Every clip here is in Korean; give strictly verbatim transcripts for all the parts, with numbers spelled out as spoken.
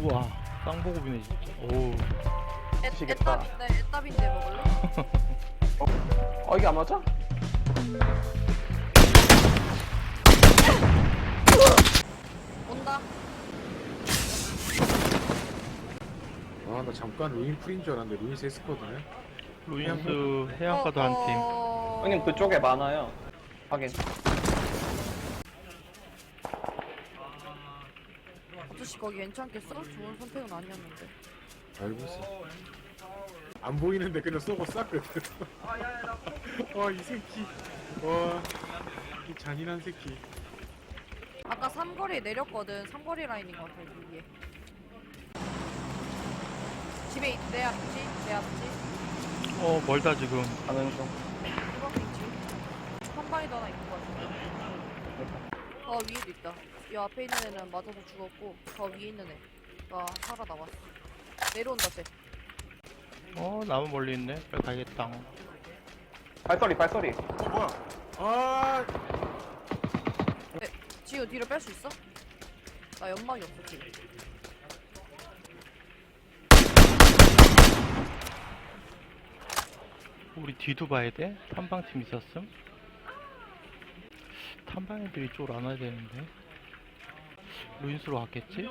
우와, 쌍보급이네 진짜. 오. 애, 드시겠다. 애답인데 애답인데 먹을래? 어 이게 안 맞아? 온다. 아 나 잠깐 루인 풀인 줄 알았는데 루인 세스거든요. 루인스 해안가도 한 팀. 어... 형님 그쪽에 많아요. 확인. 아저씨 거기 괜찮겠어? 좋은 선택은 아니었는데. 알고 있어. 안 보이는데 그냥 쏘고 쐈거든. 와이 새끼. 와이 잔인한 새끼. 아까 삼거리에 내렸거든. 삼거리 라인인 것 같아 위에. 집에 있, 내 앞지? 내 앞지? 어, 멀다 지금. 가는 중. 이번 위치? 한 방에 더 하나 있는 것 같은데. 어 위에도 있다. 이 앞에 있는 애는 맞아서 죽었고 저 위에 있는 애가 살아남았어. 내려온다 쟤. 어, 나무 멀리 있네. 빨리 가야겠다. 발소리 발소리. 어 뭐야? 아 지우 뒤로 뺄 수 있어? 나 연막이 없어 지금. 우리 뒤도 봐야 돼? 탐방팀 있었음? 탐방 애들이 이쪽으로 안 와야 되는데. 루인스로 갔겠지?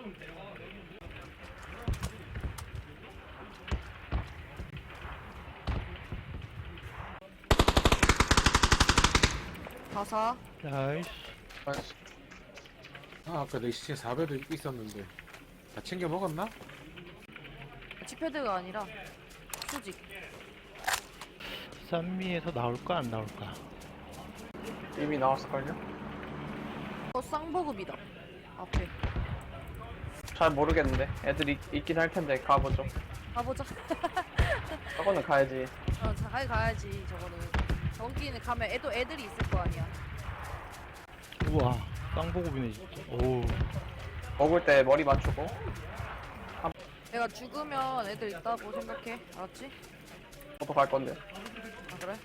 가사. 나이스. 아 아까 내 시체 사 배도 있었는데 다 챙겨 먹었나? 지패드가 아니라 수직. 쌈미에서 나올까 안 나올까? 이미 나왔을걸요? 어 쌍보급이다. 앞에. 잘 모르겠는데. 애들 있, 있긴 할 텐데 가보죠. 가보자. 저거는 가야지. 어, 잘 가야지 저거는. 저기는 가면 애도 애들이 있을 거 아니야. 우와, 쌍보급이네 진짜. 오. 먹을 때 머리 맞추고. 내가 죽으면 애들 있다고 생각해. 알았지? 저도 갈 건데. 아 그래?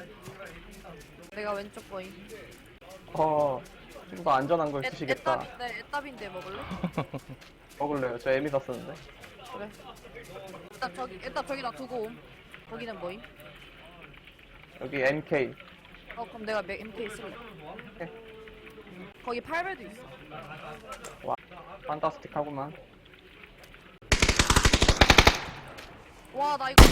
내가 왼쪽 거임. 어. 좀 더 안전한 걸 애, 쓰시겠다. 애답인데 애답인데 먹을래? 먹을래요. 저 에미사 쓰는데. 그래. 애답 저기 애답 저기다 두고 옴. 거기는 뭐임? 여기 엠케이. 어 그럼 내가 맥 엠케이 쓸래. 오케이. 거기 팔 배도 있어. 판타스틱하구만. 와 나 이거.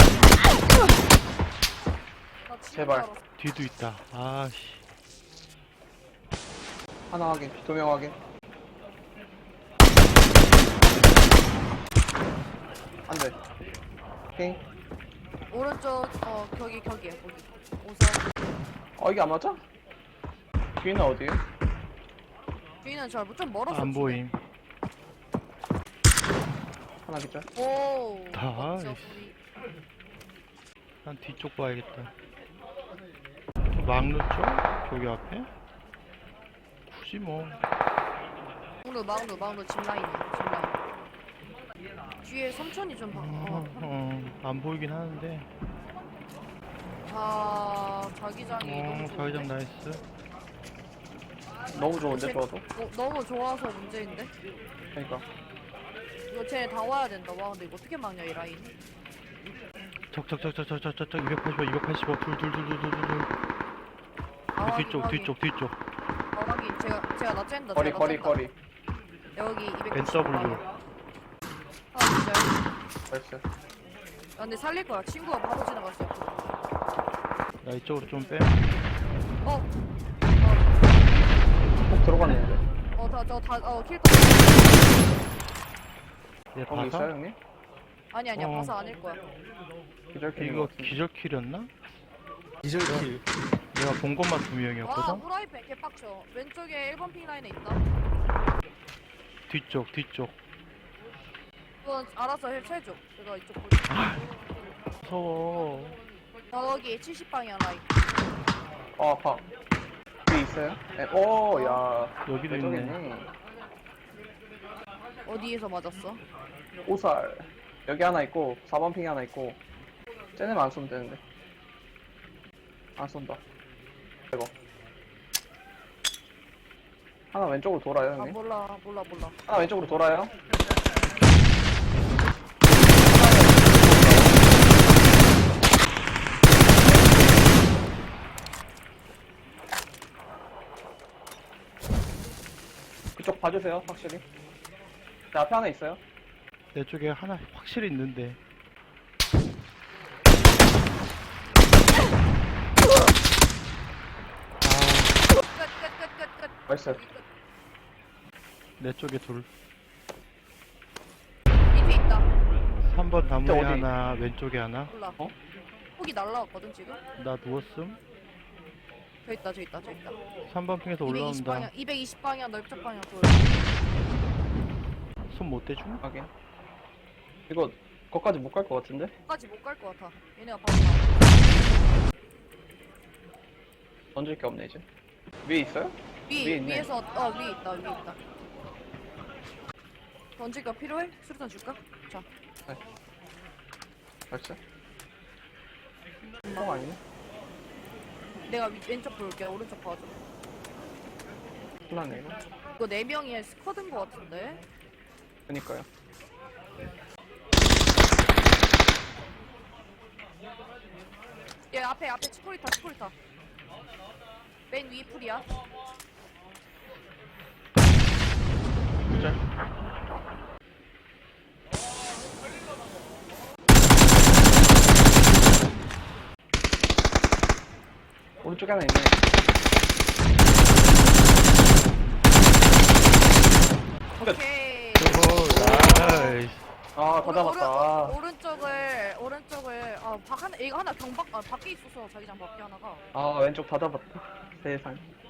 나 진짜 제발. 알았어. 뒤도 있다. 아씨. 하나 확인. 두 명 확인. 안 돼. 오케이. 오른쪽 어 거기 거기야 거기. 우선 어, 이게 안 맞아? 뒤는 어디에요? 뒤는 잘좀 멀었어. 안 보임. 하나 기절. 오. 다, 멋져, 이씨. 우리. 난 뒤쪽 봐야겠다. 막루 쪽? 저기 앞에? 굳이 뭐. 막루 막루 막루 짚라인이야 짚라인. 뒤에 삼촌이 좀 봐. 어, 어. 어, 안 보이긴 하는데. 아 자기장이 어, 너무 자기장 좋은데? 나이스. 너무 좋은데, 쟤- 저도? 어, 너무 좋아서 문제인데? 그러니까. 이거 쟤네 다 와야 된다. 와 근데 이거 어떻게 막냐 이 라인. 적적적적적적적 이백팔십오, 이백팔십오, 둘, 둘, 둘, 둘, 둘, 둘, 둘. 아, 우리 확인, 뒤쪽, 확인. 뒤쪽, 뒤쪽. 아 확인. 제가 제가 나 쨘다. 거리, 제가 거리, 나 쨘다. 거리. 여기 이백팔십. 엔더블유. 아 진짜. 됐어. 아 근데 살릴 거야. 친구가 바로 지나갔어. 나 이쪽으로 좀 빼. 어. 꼭 들어갔는데. 어, 다, 저, 다, 어, 킬 얘 거기 있어요, 봐서? 형님? 아니, 아니야. 어. 봐서 아닐 거야. 기절 킬인 이거 것 같은데. 기절킬이었나? 기절킬. 내가 본 것만 두 와, 명이었거든? 후라이팬 개빡쳐. 왼쪽에 일 번 핑 라인에 있다. 뒤쪽, 뒤쪽. 그건 알아서 해줘. 제가 이쪽 볼게. 무서워. 저기 칠십 방향 라인. 어, 아파. 뒤에 있어요? 네. 오, 야. 여기도 있네. 왼쪽이네. 어디에서 맞았어? 오살. 여기 하나 있고, 사 번 핑이 하나 있고. 쟤네만 안 쏘면 되는데. 안 쏜다. 이거. 하나 왼쪽으로 돌아요, 아, 형님. 몰라, 몰라, 몰라. 하나 왼쪽으로 돌아요. 봐주세요, 확실히. 내 앞에 하나 있어요. 내 쪽에 하나 확실히 있는데. 끝끝끝끝끝. 나이스. 여기 끝. 내 쪽에 둘. 밑에 있다. 삼 번 나무에 어디? 하나, 왼쪽에 하나. 몰라. 어? 폭이 날라왔거든 지금. 나 누웠음. 저 있다 저 있다 저 있다. 삼 번 핑에서 이백이십 올라온다. 방향 이백이십 방향 넓적 방향 돌. 손 못 대줌? 확인. 이거, 거기까지 못 갈 것 같은데? 까지 못 갈 것 같아. 얘네가 바로 나. 던질 게 없네, 이제. 위에 있어요? 위 위에 있네. 위에서 어 위에 있다 위에 있다. 던질 거 필요해? 수류탄 줄까? 자. 나이스. 통 아니네? 내가 위, 왼쪽 볼게. 오른쪽 봐줘. 큰일 났네, 이거. 이거 네 명이 스쿼드인 것 같은데. 그니까요. 얘 앞에 앞에 치코리타 치코리타. 맨 위 풀이야. 짤. 오른쪽에 하나 있네. 오케이. 오호, 나이스. 아, 다 잡았다. 아. 오른, 오른쪽을 오른쪽을 아박 하나 이거 하나 경박 아 밖에 있어서 자기장 밖에 하나가. 아, 왼쪽 다 잡았다. 세상.